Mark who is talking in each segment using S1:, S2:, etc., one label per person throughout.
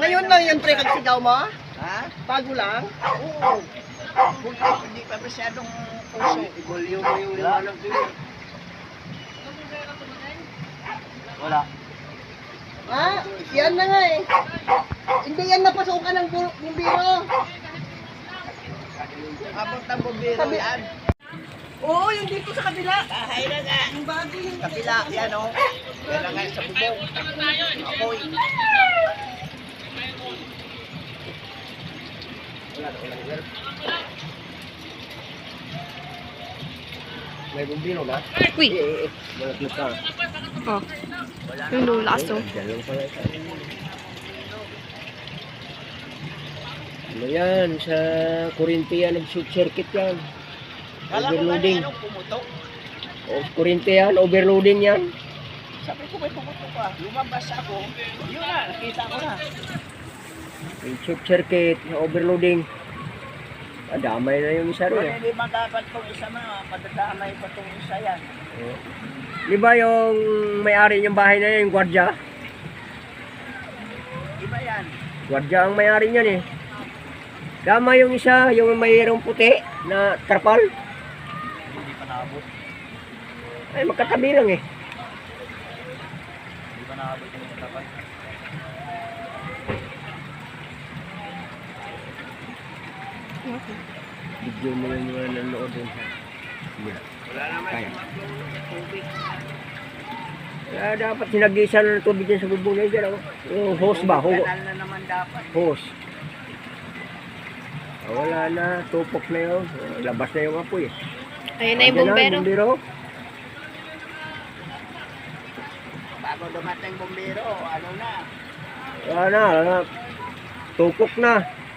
S1: Ngayon lang yun, pre, kagsigaw mo?
S2: Ha?
S1: Bago lang?
S2: Oo. Hindi pa masyadong puso.
S3: Ibulyo mo yung liwanag doon. Wala.
S1: Ah, yan na nga eh. Hindi yan napasukan ng bumbiro.
S2: Abot ng bumbiro
S1: Sabi-
S2: yan.
S1: Oo, yung dito sa kabila.
S2: Bahay na nga.
S1: Yung bago yung
S2: Kapila, yan o. Yan na nga sa bubong. Apoy.
S3: May bumbino na?
S4: Uy,
S3: Mga clip ka.
S4: oh. Yung lulas, oh.
S3: Diyan lang pala. Ano yan? Sa kurente yan, nag-shoot circuit yan.
S2: Kala ko
S3: Overloading.
S2: anong pumutok.
S3: O, kurente yan, overloading yan.
S2: Sabi ko may pumutok ka. Lumabas ako. Yun na, nakita ko na.
S3: Yung shoot circuit, overloading. Damay na yung isa rin.
S2: Kung hindi man dapat kung isa na, madadamay pa itong isa yan.
S3: Di ba yung may-ari ng bahay na yan, yung gwardya?
S2: Iba yan.
S3: Gwardya ang may-ari niyan eh. Tama yung isa, yung mayroong puti na tarpal.
S2: Hindi pa naabot.
S3: Ay, magkatabi lang eh.
S2: Hindi pa naabot yung dapat.
S3: Video mo yung mga nanonood dun sa...
S2: Wala naman
S3: Kaya.
S2: yung tubig.
S3: Kaya dapat sinagisan na ng tubig dyan sa bubong na dyan. Yung hose ba?
S2: Kanal na naman dapat.
S3: Hose. Wala na, tupok na yun. Labas na yung apoy eh.
S4: Ayun na yung
S3: Andyan
S4: bumbero.
S3: bumbero.
S2: Bago dumating bumbero, ano na.
S3: Wala na. Tupok na.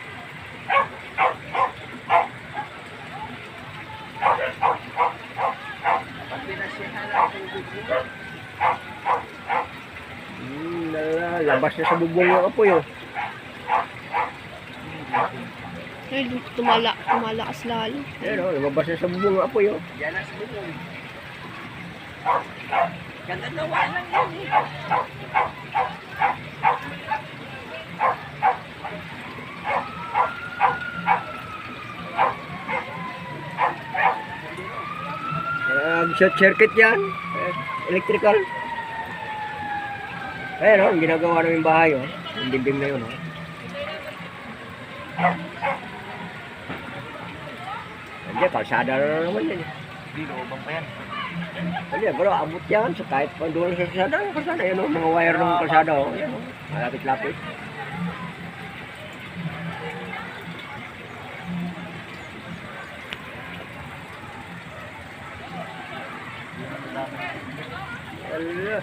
S2: Kapag pinasyahan ang tubig mo.
S3: Labas na sa bubong yung apoy oh.
S4: Ay, tumalakas lalo.
S3: Ayan oh, lumabas na sa bubong yung apoy oh.
S2: Yan ang bubong. Ganda gawa lang yan eh.
S3: Short circuit yan. Electrical. Ayan oh, yung ginagawa namin bahay oh. Yung dibdib na yun oh. Hindi, kalsada na naman yan eh.
S2: Hindi, loobang pa yan.
S3: Hindi, pero abot yan. So kahit pa doon sa kalsada, yung kalsada yan oh. Mga wire ng kalsada oh. Yan oh. Malapit-lapit. Allah.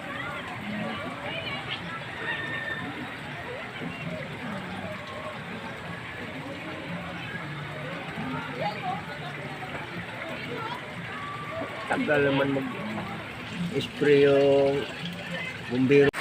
S3: Tagal naman mag-spray yung bumbero.